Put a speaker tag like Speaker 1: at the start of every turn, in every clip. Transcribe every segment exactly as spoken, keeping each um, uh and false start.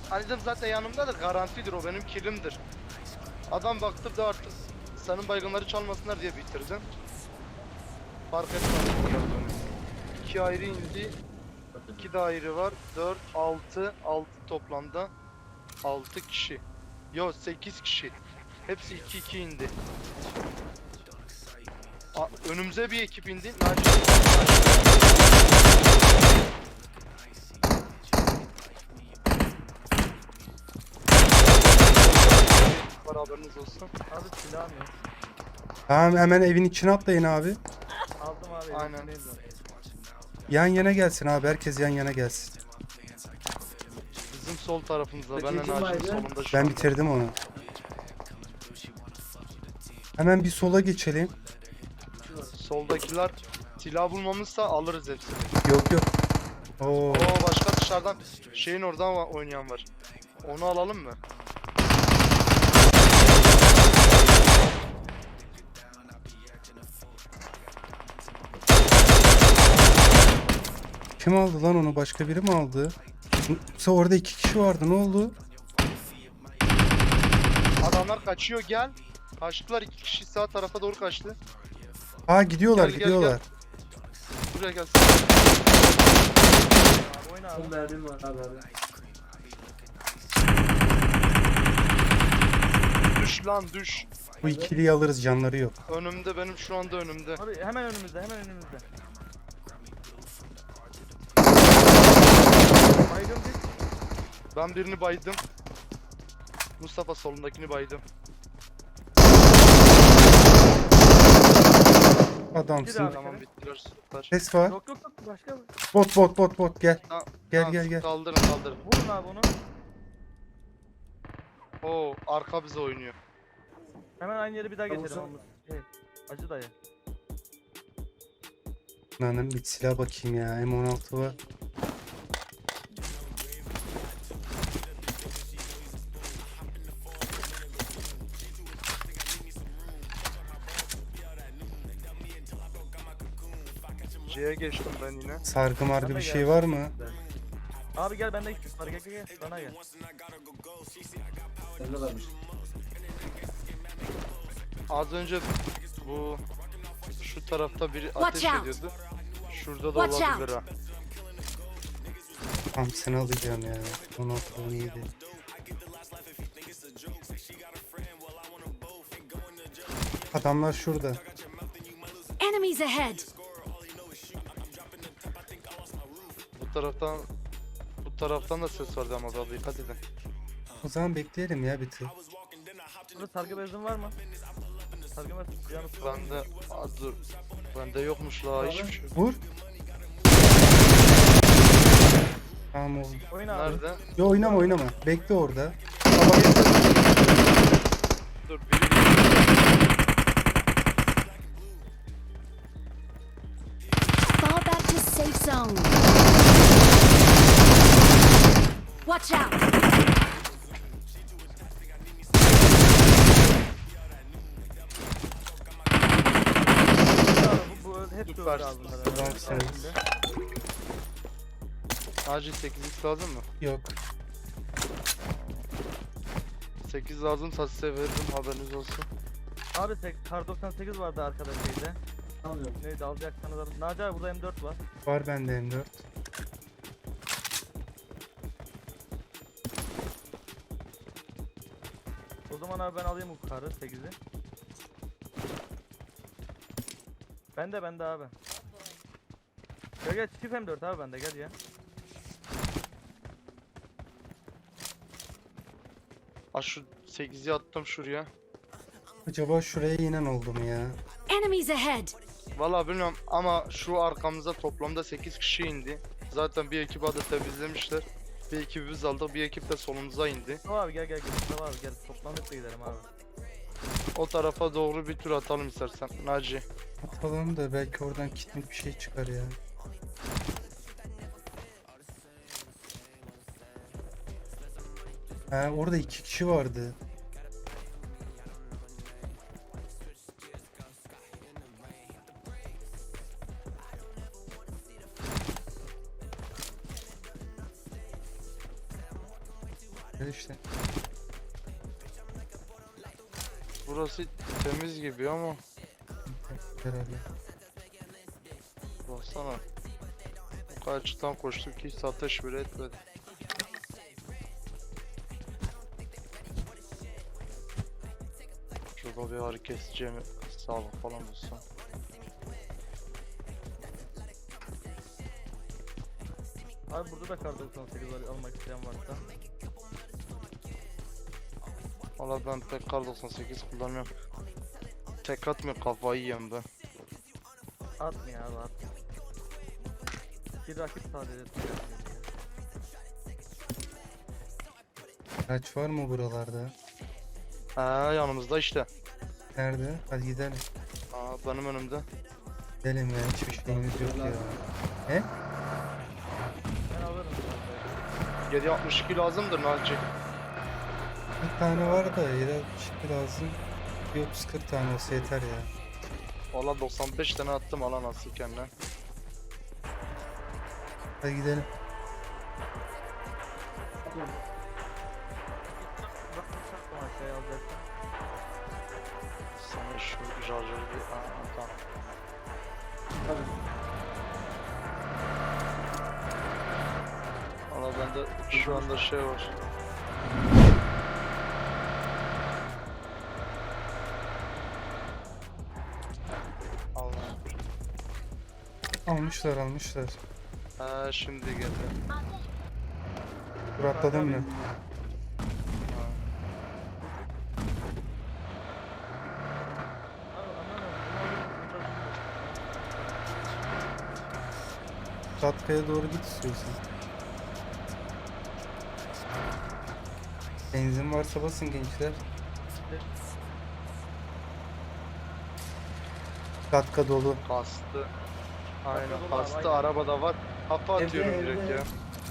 Speaker 1: Ali'cim zaten yanımda da garantidir, o benim killimdir. Adam baktı da artık senin baygınları çalmasınlar diye bitirdim. Fark etmedi. İki ayrı indi. İki de ayrı var. dört, altı, altı toplamda. altı kişi. Yo, sekiz kişi. Hepsi iki iki indi. A, önümüze bir ekip indi. Naci. Var, haberiniz olsun.
Speaker 2: Abi silahım yok.
Speaker 3: Tamam, hemen evin içine atlayın abi.
Speaker 2: Aldım abi.
Speaker 1: Aynen.
Speaker 2: Neydi?
Speaker 3: Yan yana gelsin abi. Herkes yan yana gelsin.
Speaker 1: Bizim sol tarafımızda.
Speaker 4: Peki,
Speaker 1: Ben
Speaker 4: kim
Speaker 1: Naci'nin
Speaker 4: vardı?
Speaker 1: solunda şu
Speaker 3: Ben
Speaker 1: anda.
Speaker 3: bitirdim onu. Hemen bir sola geçelim.
Speaker 1: Soldakiler silah bulmamızsa alırız hepsini.
Speaker 3: Yok yok. Oo.
Speaker 1: Oo, başka dışarıdan şeyin oradan va- oynayan var. Onu alalım mı?
Speaker 3: Kim aldı lan onu? Başka biri mi aldı? Yoksa orada iki kişi vardı. Ne oldu?
Speaker 1: Adamlar kaçıyor, gel. Kaçtılar, iki kişi sağ tarafa doğru kaçtı.
Speaker 3: Aa, gidiyorlar
Speaker 1: Gel, gel,
Speaker 3: gidiyorlar.
Speaker 1: Buraya gelsin.
Speaker 2: Abi oyna abi.
Speaker 4: On mermim var abi abi.
Speaker 1: Düş lan düş.
Speaker 3: Bu ikiliyi alırız, canları yok.
Speaker 1: Önümde, benim şu anda önümde.
Speaker 2: Abi hemen önümüzde, hemen önümüzde. Baygın bir.
Speaker 1: Ben birini baydım. Mustafa solundakini baydım.
Speaker 3: Adamsın.
Speaker 2: Abi,
Speaker 1: Tamam,
Speaker 2: kere.
Speaker 1: bittiler, süper.
Speaker 3: Ses var.
Speaker 2: Yok yok yok başka.
Speaker 3: Bot bot bot bot gel.
Speaker 1: Ta-
Speaker 3: Gel,
Speaker 1: tamam,
Speaker 3: gel, gel.
Speaker 1: Kaldırın kaldırın.
Speaker 2: Vurun abi onu.
Speaker 1: Oo, arka bize oynuyor.
Speaker 2: Hemen aynı yere bir daha
Speaker 4: Tamam,
Speaker 2: geçelim
Speaker 4: sen-
Speaker 2: Amuz. Şey, acı dayı.
Speaker 3: Lan bir silah bakayım ya. M on altı var.
Speaker 1: C'ye geçtim ben yine.
Speaker 3: Sargı margı
Speaker 2: Bana
Speaker 3: bir
Speaker 2: gel.
Speaker 3: şey var mı?
Speaker 2: Abi gel bende iki var, gel gel gel. Bana gel.
Speaker 4: Bende varmış.
Speaker 1: Az önce bu şu tarafta biri
Speaker 5: Watch
Speaker 1: ateş
Speaker 5: out.
Speaker 1: ediyordu. Şurada da
Speaker 5: Watch
Speaker 1: olabilir ha.
Speaker 3: Tam seni alacağım ya. on altı on yedi. Adamlar şurada.
Speaker 5: Enemies ahead!
Speaker 1: Bu taraftan bu taraftan da ses vardı ama daha dikkat edin.
Speaker 3: O zaman bekleyelim ya bir tık.
Speaker 2: Burada sargı bezin var mı? Sargı bez yanı sıra.
Speaker 1: Bende az dur. Bende yokmuş la hiçbir şey. yok.
Speaker 3: Vur. Tamam oğlum.
Speaker 2: Oyna abi.
Speaker 1: Nerede?
Speaker 3: Yo, oynama oynama. Bekle orada.
Speaker 1: Dur biri.
Speaker 5: Fall back to safe zone. Watch out!
Speaker 2: Abi, bu, bu hep
Speaker 1: Süper.
Speaker 2: öldü abi bunlar.
Speaker 3: Tamam,
Speaker 2: Evet,
Speaker 3: sen-
Speaker 2: içinde.
Speaker 1: Acil sekiz x lazım mı?
Speaker 3: Yok.
Speaker 1: sekiz lazımsa size veririm, haberiniz olsun.
Speaker 2: Abi sek- kar doksan sekiz vardı arkada şeyde.
Speaker 4: Almıyorum.
Speaker 2: Neydi alacaksanız alın. Naci abi burada M dört var.
Speaker 3: Var bende M dört.
Speaker 2: O zaman abi ben alayım bu karı sekizi. Bende bende abi. Gel gel çift M dört abi bende, gel ya.
Speaker 1: Ha, şu sekizi attım şuraya.
Speaker 3: Acaba şuraya inen oldu mu ya?
Speaker 5: Enemies ahead!
Speaker 1: Vallahi bilmiyorum ama şu arkamıza toplamda sekiz kişi indi. Zaten bir ekip adı temizlemişler. Bir ekibi biz aldık, bir ekip de solumuza indi.
Speaker 2: Mustafa abi gel gel gel Mustafa abi gel, toplanıp da gidelim abi.
Speaker 1: O tarafa doğru bir tur atalım istersen Naci.
Speaker 3: Atalım da belki oradan kitlik bir şey çıkar ya. Ha, orada iki kişi vardı. Gel işte.
Speaker 1: Burası temiz gibi ama
Speaker 3: Herhalde.
Speaker 1: baksana. Bu kadar açıktan koştuk ki hiç ateş bile etmedi. Şurada bir ağrı kesici mi sağlık falan olsa.
Speaker 2: Abi burada da kar doksan sekiz var almak isteyen varsa.
Speaker 1: Valla ben pek kar doksan sekiz kullanmıyorum. Tek atmıyor, kafayı yiyorum ben.
Speaker 2: Atmıyor abi atmıyor. Bir rakip sadece.
Speaker 3: Kaç var mı buralarda?
Speaker 1: Ha yanımızda işte.
Speaker 3: Nerede? Hadi gidelim.
Speaker 1: Aa benim önümde.
Speaker 3: Gidelim ya, hiçbir şeyimiz yok ya. He?
Speaker 2: Ben alırım.
Speaker 1: yedi altmış iki lazımdır Naci.
Speaker 3: Bir tane var da yedi altmış iki lazım. Bir otuz kırk tane olsa yeter ya.
Speaker 1: Valla doksan beş tane attım alan asıl kendine.
Speaker 3: Hadi gidelim.
Speaker 2: Bak bak aşağıya alacaksın.
Speaker 1: Sana şu şarjörü bir... Aa tamam. Valla bende şu anda şey var. Allah.
Speaker 3: Almışlar almışlar.
Speaker 1: Ha şimdi geldi.
Speaker 3: Dur atladın mı?
Speaker 1: Ha.
Speaker 2: Abi aman aman.
Speaker 3: Katkaya doğru git istiyorsan. Benzin varsa basın gençler. Katka dolu.
Speaker 1: Kastı. Aynen
Speaker 2: Kastı,
Speaker 1: kastı
Speaker 2: aynen.
Speaker 1: arabada var. Kafa atıyorum
Speaker 4: Evde,
Speaker 1: direkt
Speaker 4: evde.
Speaker 1: ya.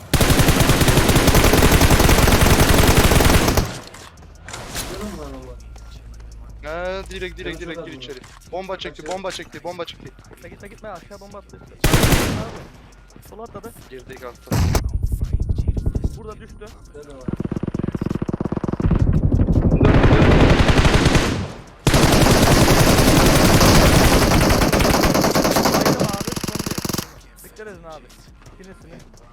Speaker 4: Canım var ama.
Speaker 1: He direkt direkt
Speaker 4: Evet,
Speaker 1: direkt
Speaker 4: evet,
Speaker 1: gir
Speaker 4: evet.
Speaker 1: içeri. Bomba çekti, bomba çekti, bomba çekti.
Speaker 2: Gitme gitme gitme aşağı bomba attı. Abi. Sola atladı.
Speaker 1: Girdik altta.
Speaker 2: Burada düştü.
Speaker 4: Şöyle var.
Speaker 2: Baydım abi. Son bir. Dikkat edin abi. Birisini.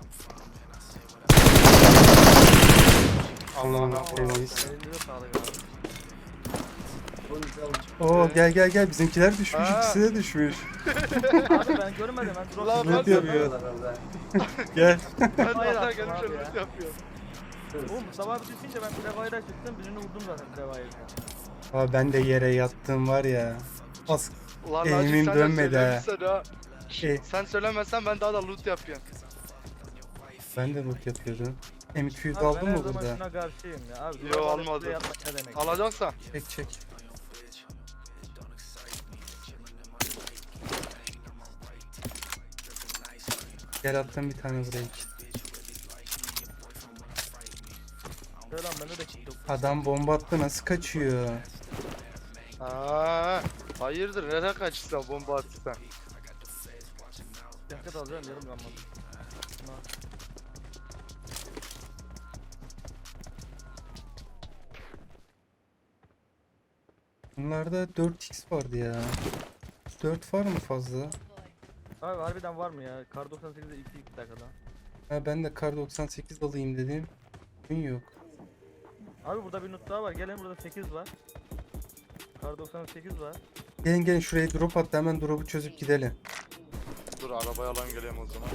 Speaker 3: Allah'ım
Speaker 1: Allah'ım
Speaker 3: temiz.
Speaker 2: Elinize sağlık abi.
Speaker 4: Polis almış.
Speaker 3: Oo gel gel gel, bizimkiler düşmüş,
Speaker 1: Ha.
Speaker 3: ikisi de düşmüş.
Speaker 2: Abi ben görmedim ben drop.
Speaker 1: Lan
Speaker 3: Ne
Speaker 1: ben
Speaker 3: diyor
Speaker 1: de-
Speaker 3: bu ya?
Speaker 4: Herhalde.
Speaker 3: Gel.
Speaker 1: Ben
Speaker 2: Hayır
Speaker 1: daha
Speaker 2: attım
Speaker 1: gelmiş
Speaker 2: abi
Speaker 1: önümüz
Speaker 2: ya.
Speaker 1: yapıyor.
Speaker 2: Oğlum Mustafa abi düşünce ben Previre'a çıktım birini vurdum zaten Previre'a.
Speaker 3: Aa, ben de yere yattım var ya. Az
Speaker 1: Ulan
Speaker 3: Eğimim
Speaker 1: Naci sen de
Speaker 3: dönmedi ha.
Speaker 1: söylemişsin ha.
Speaker 3: E.
Speaker 1: Sen söylemezsen ben daha da loot yapıyorum.
Speaker 3: ben de loot yapıyordum. M iki yüz
Speaker 2: Abi
Speaker 3: aldın
Speaker 2: ben her
Speaker 3: mı
Speaker 2: zaman
Speaker 3: burada?
Speaker 2: şuna karşıyım ya. Abi,
Speaker 1: Yo,
Speaker 2: duvar
Speaker 1: almadım.
Speaker 2: üstüne yatmak ne demek?
Speaker 1: Alacaksan.
Speaker 3: Çek çek. Gel attım bir tane buraya.
Speaker 2: Şöyle lan bende de çıktı.
Speaker 3: Adam bomba attı, nasıl kaçıyor?
Speaker 1: Aa, hayırdır nereye kaçırsan bomba atırsan.
Speaker 2: Dikkat alacağım yarım kalmadı. Buna-
Speaker 3: Bunlarda dört x vardı ya. dört var mı fazla?
Speaker 2: Abi harbiden var mı ya? Kar doksan sekizde iki iki dakikada.
Speaker 3: Ha, ben de kar doksan sekiz alayım dedim. Gün yok.
Speaker 2: Abi burada bir not daha var. Gelin burada sekiz var. Kar doksan sekiz var.
Speaker 3: Gelin gelin şuraya drop attı, hemen drop'u çözüp gidelim.
Speaker 1: Dur arabaya alan geleyim o zaman.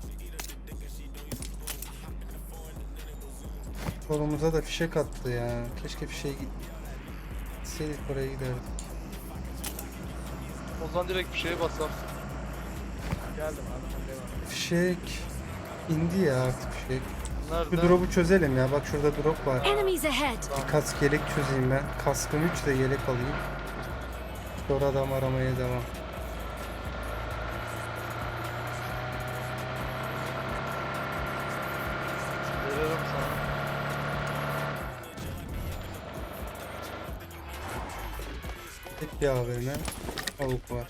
Speaker 3: Kolumuza da fişek attı ya. Keşke fişeğe gitseydik, oraya giderdik.
Speaker 1: O zaman direkt bir şeye bassam.
Speaker 2: Geldim abi sen devam et.
Speaker 3: Fişek indi ya artık fişek.
Speaker 1: Nerede?
Speaker 3: Şu drop'u çözelim ya, bak şurada drop var.
Speaker 5: Enemies ahead!
Speaker 3: Bir kask yelek çözeyim ben. Kaskım üç de yelek alayım. Sonra adam aramaya devam.
Speaker 1: Veririm sana.
Speaker 3: Tek bir A V M. Avuk var.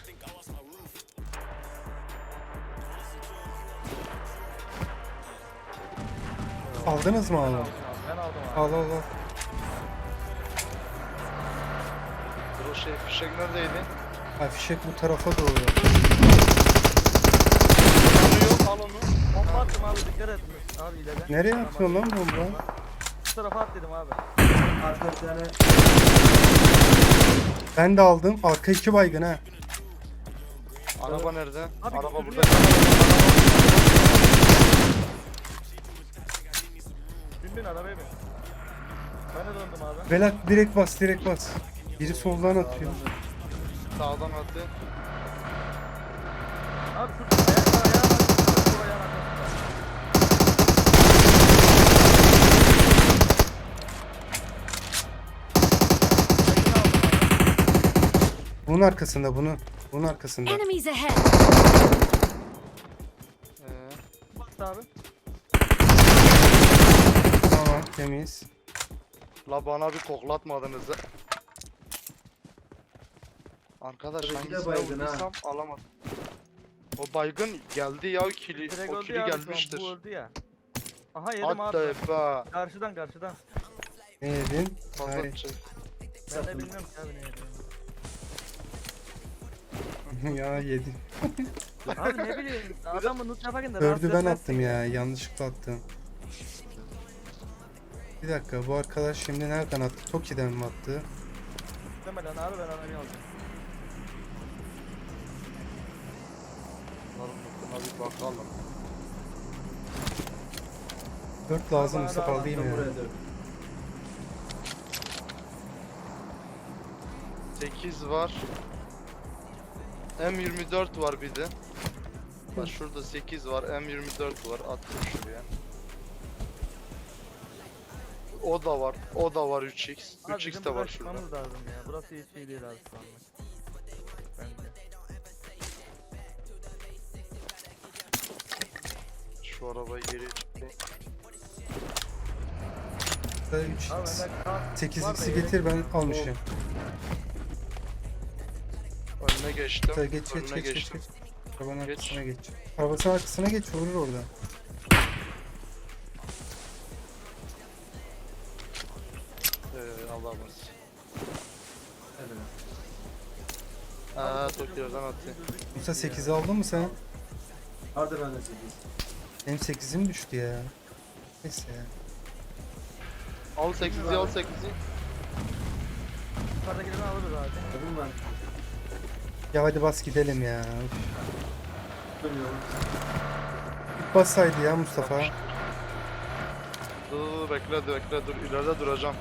Speaker 3: Aldınız mı
Speaker 2: Ben
Speaker 3: onu?
Speaker 2: aldım abi. Ben aldım
Speaker 3: Al al al.
Speaker 1: Dur o şey fişek neredeydi?
Speaker 3: Ha fişek bu tarafa doğru.
Speaker 1: Yanıyor al onu.
Speaker 2: Bomba attım abi dikkat et. Abi ileride.
Speaker 3: Nereye
Speaker 2: Tamam,
Speaker 3: atıyorsun lan bomba?
Speaker 2: Bu tarafa at dedim abi.
Speaker 4: Arka bir tane
Speaker 3: Ben de aldım. Arka iki baygın ha.
Speaker 1: Araba nerede?
Speaker 2: Abi
Speaker 1: Araba
Speaker 2: götürüyor.
Speaker 1: burada.
Speaker 2: Bin bin arabaya bin. Ben de döndüm abi.
Speaker 3: Velat direkt bas direkt bas. Biri soldan atıyor.
Speaker 1: Sağdan attı.
Speaker 2: Abi şurada ayakta ayağa bak. Şu ayağın arkasında. Tekini aldım abi.
Speaker 3: Bunun arkasında bunu. Bunun arkasında.
Speaker 5: Enemies ahead!
Speaker 1: Ee,
Speaker 2: Bastı abi.
Speaker 3: Tamam temiz.
Speaker 1: la bana bir koklatmadınız. ha. Arkadaş
Speaker 4: Tabii ki de
Speaker 1: hangisine
Speaker 4: baygın ha.
Speaker 1: vurduysam alamadım. O baygın geldi ya kili,
Speaker 2: Direkt
Speaker 1: o
Speaker 2: öldü
Speaker 1: kili
Speaker 2: ya abi şu an,
Speaker 1: gelmiştir.
Speaker 2: bu öldü ya. Aha yedim
Speaker 1: Hatta
Speaker 2: abi.
Speaker 1: be.
Speaker 2: Karşıdan karşıdan.
Speaker 3: Ne yedin?
Speaker 1: Fazla
Speaker 3: Hayır.
Speaker 1: şey.
Speaker 2: Ben de bilmiyorum ki abi ne yedim.
Speaker 3: Ya yedin.
Speaker 2: Abi ne bileyim adamı loot yaparken de
Speaker 3: Dördü
Speaker 2: rahatsız
Speaker 3: ben
Speaker 2: etmez.
Speaker 3: attım ya. Yanlışlıkla attım. Bir dakika bu arkadaş şimdi nereden attı? Toki'den mi attı?
Speaker 2: Demeden abi ben arabayı alacağım.
Speaker 1: Buna bir bakalım.
Speaker 3: Dört lazım
Speaker 2: Bana
Speaker 3: Mustafa
Speaker 2: da
Speaker 3: alayım
Speaker 4: buraya
Speaker 3: ya.
Speaker 4: dön.
Speaker 1: sekiz var. M yirmi dört var bir de. Bak şurada sekiz var, M yirmi dört var. Attım şuraya. O da var, o da var üç x.
Speaker 2: Abi
Speaker 1: üç x
Speaker 2: bizim
Speaker 1: de
Speaker 2: buradan
Speaker 1: var şurada.
Speaker 2: çıkmamız lazım ya. Burası hiç iyi değil abi şu anlık. Bence.
Speaker 1: Şu arabayı geri çıktı.
Speaker 3: üç
Speaker 2: Abi
Speaker 3: x.
Speaker 2: bende kart
Speaker 3: sekiz
Speaker 2: var da
Speaker 3: x'i
Speaker 2: yelek-
Speaker 3: getir ben almışım.
Speaker 1: Önüne geçtim.
Speaker 3: Geç geç geç
Speaker 1: Önüne
Speaker 3: geç geç.
Speaker 1: geçtim.
Speaker 3: Arabanın
Speaker 1: Geç.
Speaker 3: arkasına geç. Arabasının arkasına geç vurur orada.
Speaker 1: Ee, Allah'ımız.
Speaker 4: Evet.
Speaker 1: Aa, Tokyo'dan attı.
Speaker 3: Musa sekizi aldın mı sen?
Speaker 4: Vardı bende sekiz.
Speaker 3: Benim sekizim düştü ya. Neyse ya.
Speaker 1: Al sekizi, al sekizi.
Speaker 2: Yukarıdakilerini alırız abi.
Speaker 4: Dedim ben.
Speaker 3: Ya hadi bas gidelim ya. Üf.
Speaker 4: Dönüyorum.
Speaker 3: İlk bassaydı ya Mustafa.
Speaker 1: Dur, dur, bekle, dur, bekle, dur. İleride duracağım.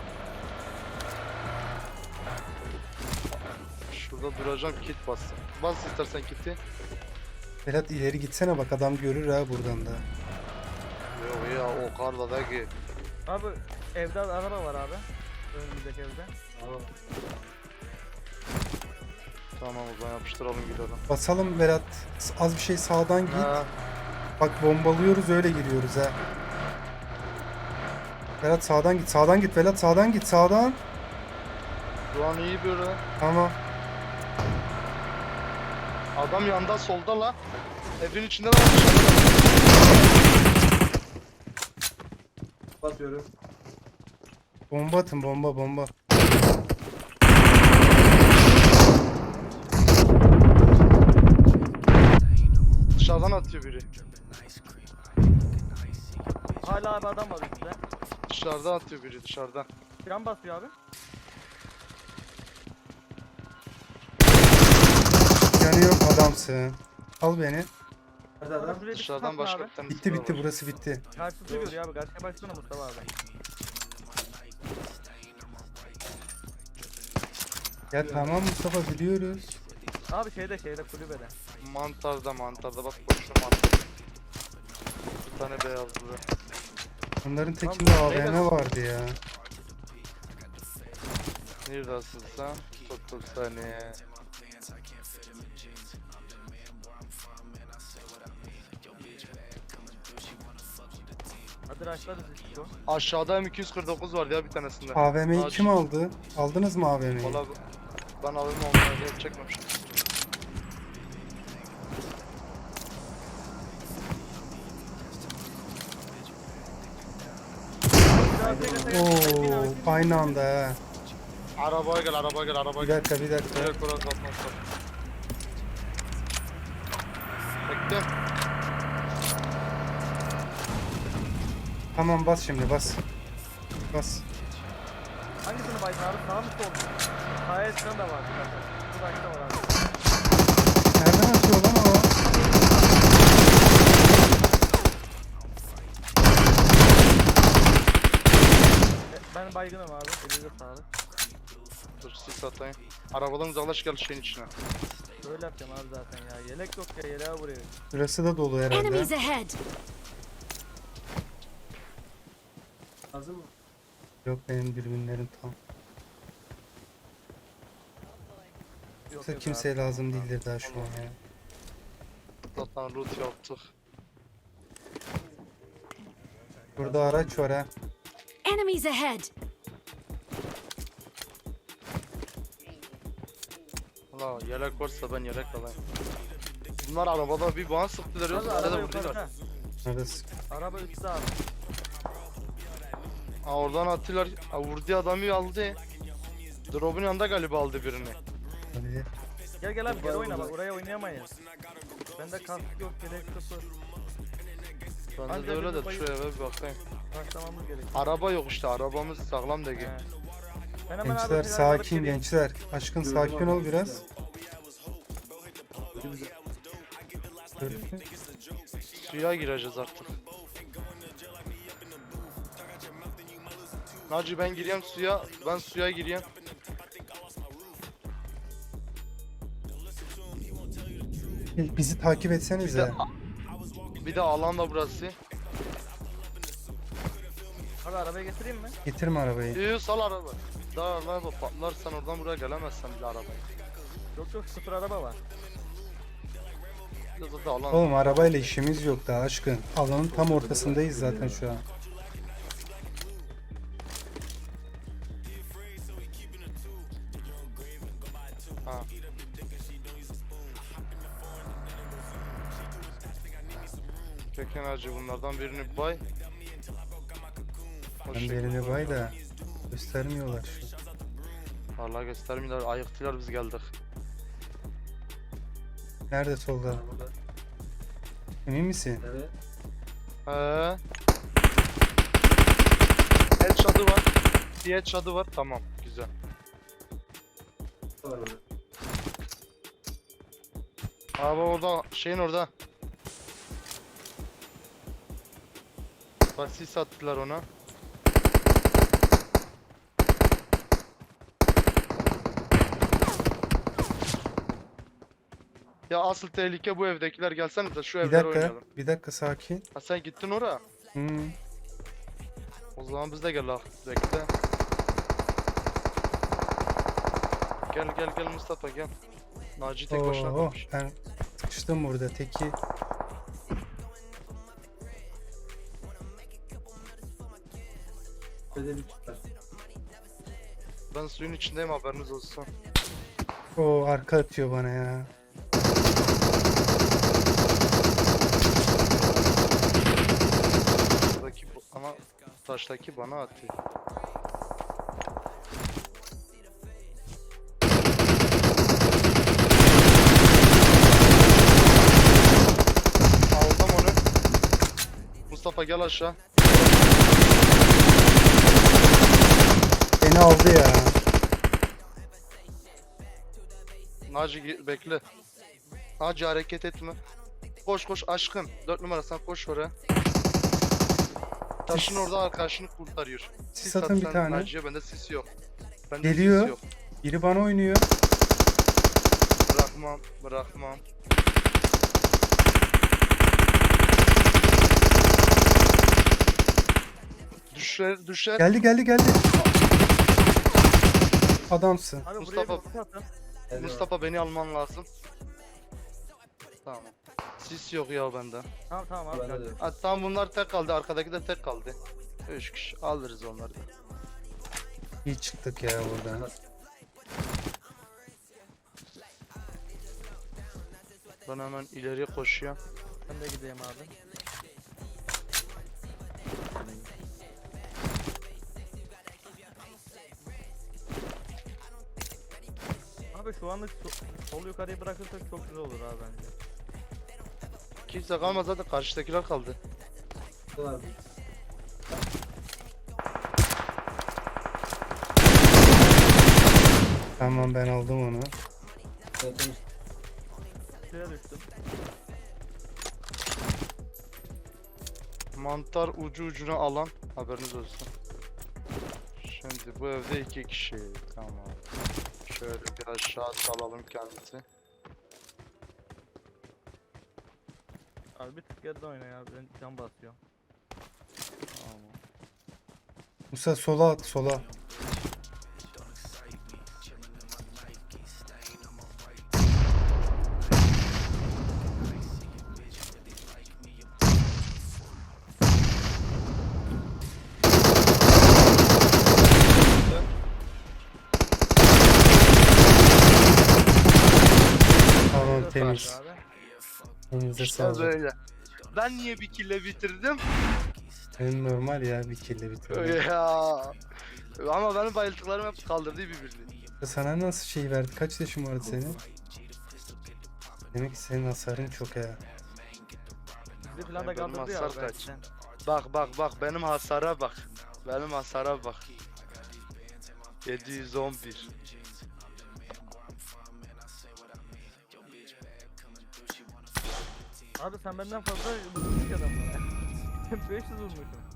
Speaker 1: Şurada duracağım, kit bassın. Bas istersen kiti.
Speaker 3: Berat ileri gitsene bak adam görür ha buradan da.
Speaker 1: Yok ya, o karda da git.
Speaker 2: Abi evde araba var abi. Önümüzdeki evde.
Speaker 4: Tamam.
Speaker 1: Tamam o zaman yapıştıralım gidelim.
Speaker 3: Basalım Berat. Az bir şey sağdan git.
Speaker 1: Ha,
Speaker 3: Bak bombalıyoruz öyle giriyoruz ha. Berat sağdan git. Sağdan git Berat sağdan git sağdan.
Speaker 1: şu an iyi böyle.
Speaker 3: Tamam.
Speaker 1: Adam yanda solda la. Evin içinde de var.
Speaker 4: Basıyorum.
Speaker 3: Bomba atın bomba bomba.
Speaker 1: Dışarıdan atıyor biri.
Speaker 2: Hala abi adam var üstte.
Speaker 1: Dışarıdan atıyor biri dışarıdan.
Speaker 2: Fren basıyor abi.
Speaker 3: Yanı yok adamsın. Al beni.
Speaker 4: Hadi adam.
Speaker 2: Şuraya bir
Speaker 1: Dışarıdan
Speaker 2: sıkmasın
Speaker 1: başka
Speaker 2: abi.
Speaker 1: bir tane
Speaker 3: Bitti
Speaker 1: silah
Speaker 3: bitti
Speaker 1: var.
Speaker 3: burası bitti.
Speaker 2: Karşısı görüyor abi. Karşıya baksana Mustafa abi.
Speaker 3: Ya tamam Mustafa biliyoruz.
Speaker 2: Abi şeyde şeyde kulübede.
Speaker 1: Mantarda mantarda bak boşuna mantar. Bir tane beyazlı.
Speaker 3: Bunların tekinde A V M vardı ya.
Speaker 1: Neredesin sen? Tuttum seni.
Speaker 2: Hadi raşlarız işte o.
Speaker 1: Aşağıda M iki yüz kırk dokuz vardı ya bir tanesinde.
Speaker 3: A V M'yi
Speaker 1: Ağaç.
Speaker 3: kim aldı? Aldınız mı A V M'yi?
Speaker 1: Valla ben alayım onları çekmemişim.
Speaker 2: Biraz bekle, bekle.
Speaker 3: Oo Aynı anda ha.
Speaker 1: Arabaya gel, arabaya gel, arabaya
Speaker 3: Bir
Speaker 1: gel.
Speaker 3: dakika bir dakika.
Speaker 1: Direkt oraya kapatmak. Bekle.
Speaker 3: Tamam bas şimdi bas. Bas.
Speaker 2: Hangisini baydın abi? Sağ mı sol mu? Sağ eskiden de var. Bir dakika. Bu da var abi.
Speaker 3: Nereden atıyor lan o?
Speaker 2: E, Ben baygınım abi. Elinize sağlık.
Speaker 1: Dur sis atayım. Arabadan uzaklaş gel şeyin içine.
Speaker 2: Böyle yapacağım abi zaten ya. Yelek yok ya. Yeleğe vuruyor.
Speaker 3: Burası da dolu herhalde.
Speaker 5: Enemies ahead!
Speaker 4: Lazım mı?
Speaker 3: Yok benim dürbünlerim tam.
Speaker 2: Yok,
Speaker 3: Yoksa
Speaker 2: yok
Speaker 3: kimseye
Speaker 2: abi.
Speaker 3: lazım değildir daha şu an ya.
Speaker 1: Zaten loot yaptık.
Speaker 3: Burada araç var ha.
Speaker 5: Enemies ahead!
Speaker 1: Valla yelek varsa ben yelek alayım. Bunlar arabada bir bana sıktılar
Speaker 2: Abi
Speaker 1: yoksa
Speaker 2: araba
Speaker 1: arada
Speaker 2: yukarıda.
Speaker 1: vurdular.
Speaker 3: Nerede sık-
Speaker 2: Araba üstte abi.
Speaker 1: Ha oradan attılar. Ha vurduğu adamı aldı. Drop'un yanında galiba aldı birini.
Speaker 3: olabilir.
Speaker 2: Gel gel abi gel oyna bak. Oraya oynayamayız. Bende kask yok. Yelek sıfır.
Speaker 1: Bende
Speaker 2: Anca
Speaker 1: de öyle
Speaker 2: bir
Speaker 1: de
Speaker 2: bayı-
Speaker 1: şu eve bir bakayım.
Speaker 2: Başlamamız gerekiyor.
Speaker 1: Araba yok işte, arabamız sağlam değil.
Speaker 2: He. Ben hemen abi
Speaker 3: Gençler
Speaker 2: silahı alıp
Speaker 3: sakin
Speaker 2: geleyim.
Speaker 3: gençler. Aşkın sakin ol biraz. Dur.
Speaker 1: Suya gireceğiz artık. Naci ben gireyim suya, ben suya gireyim.
Speaker 3: Bizi takip
Speaker 1: Bir de,
Speaker 3: etsenize.
Speaker 1: bir de alan da burası.
Speaker 2: Abi arabaya getireyim mi?
Speaker 3: Getirme arabayı.
Speaker 1: Yoo sal araba. Daha araba patlarsan oradan buraya gelemezsen bile arabayı.
Speaker 2: Yok yok sıfır araba var.
Speaker 1: Ya da, da alan.
Speaker 3: Oğlum arabayla işimiz yok daha aşkın. Alanın tam ortasındayız zaten şu an.
Speaker 1: Ha. Peki Naci bunlardan birini bay. O
Speaker 3: Ben
Speaker 1: şekilde.
Speaker 3: birini bay da göstermiyorlar şu.
Speaker 1: Vallahi göstermiyorlar, ayıktılar biz geldik.
Speaker 3: Nerede solda?
Speaker 4: Burada.
Speaker 3: Emin misin?
Speaker 4: Evet.
Speaker 1: He. El çadı var. Diye çadı var. Tamam, güzel.
Speaker 4: Var orada.
Speaker 1: Abi orada, şeyin orada. Bak sis attılar ona. Ya asıl tehlike bu evdekiler, gelsenize şu
Speaker 3: Bir
Speaker 1: evlere
Speaker 3: dakika,
Speaker 1: oynayalım.
Speaker 3: bir dakika sakin.
Speaker 1: Ha sen gittin oraya.
Speaker 3: Hmm.
Speaker 1: O zaman biz de gel lan. Bekle. Gel gel gel Mustafa gel. Naci tek başına
Speaker 3: Oo,
Speaker 1: kalmış.
Speaker 3: ben sıkıştım burada teki.
Speaker 4: Bedeli çıkar.
Speaker 1: Ben suyun içindeyim, haberiniz olsun.
Speaker 3: O arka atıyor bana ya.
Speaker 1: Buradaki bu ama taştaki bana atıyor. Aldım onu. Mustafa gel aşağı.
Speaker 3: Beni aldı ya.
Speaker 1: Naci ge- bekle. Naci hareket etme. Koş koş aşkım. Dört numara sen koş oraya. Taşın orada arkadaşını kurtarıyor.
Speaker 3: Sis atın bir
Speaker 1: sen
Speaker 3: tane.
Speaker 1: Naci'ye, bende sis yok. Bende
Speaker 3: Geliyor.
Speaker 1: sis yok.
Speaker 3: Biri bana oynuyor.
Speaker 1: Bırakmam, bırakmam. Düşer, düşer.
Speaker 3: Geldi geldi geldi. Adamsın.
Speaker 2: Abi
Speaker 1: Mustafa-
Speaker 2: buraya bir kutu atın.
Speaker 4: Bedeli var.
Speaker 1: Mustafa beni alman lazım. Tamam. Sis yok ya bende.
Speaker 2: Tamam tamam abi.
Speaker 4: Bende de
Speaker 2: gel.
Speaker 4: yok.
Speaker 1: Ha, tamam bunlar tek kaldı, arkadaki de tek kaldı. Üç kişi alırız onları da.
Speaker 3: İyi çıktık ya buradan.
Speaker 1: Ben hemen ileriye koşuyorum.
Speaker 2: Ben de gideyim abi. şu anlık so- sol yukarıyı bırakırsak çok güzel olur abi bence.
Speaker 1: Kimse kalmaz, zaten karşıdakiler kaldı.
Speaker 4: Var.
Speaker 3: Tamam ben aldım onu.
Speaker 4: Zaten
Speaker 2: Suya düştüm.
Speaker 1: Mantar ucu ucuna alan, haberiniz olsun. Şimdi bu evde iki kişi. Tamam. Şöyle bir aşağı salalım kendisi.
Speaker 2: Abi bir tık geride oyna ya, ben can basıyor.
Speaker 1: Tamam.
Speaker 3: Musa sola at sola. Tamam
Speaker 2: Şöyle
Speaker 3: temiz.
Speaker 2: sardı abi.
Speaker 3: Elinize
Speaker 1: İşte
Speaker 3: sağlık.
Speaker 1: böyle. Ben niye bir kille bitirdim?
Speaker 3: Benim normal ya bir kille bitirdim.
Speaker 1: Ya. Ama benim bayıldıklarım hep kaldırdı birbirini.
Speaker 3: Sana nasıl şey verdi? Kaç yaşın vardı senin? Demek ki senin hasarın çok ya.
Speaker 2: Bizi falan da
Speaker 1: Benim
Speaker 2: kaldırdı ya
Speaker 1: hasar
Speaker 2: abi
Speaker 1: kaç?
Speaker 2: belki.
Speaker 1: Bak bak bak benim hasara bak. Benim hasara bak. yedi yüz on bir.
Speaker 2: Abi sen benden fazla vurmuş adamlara. beş yüz vurmuşum.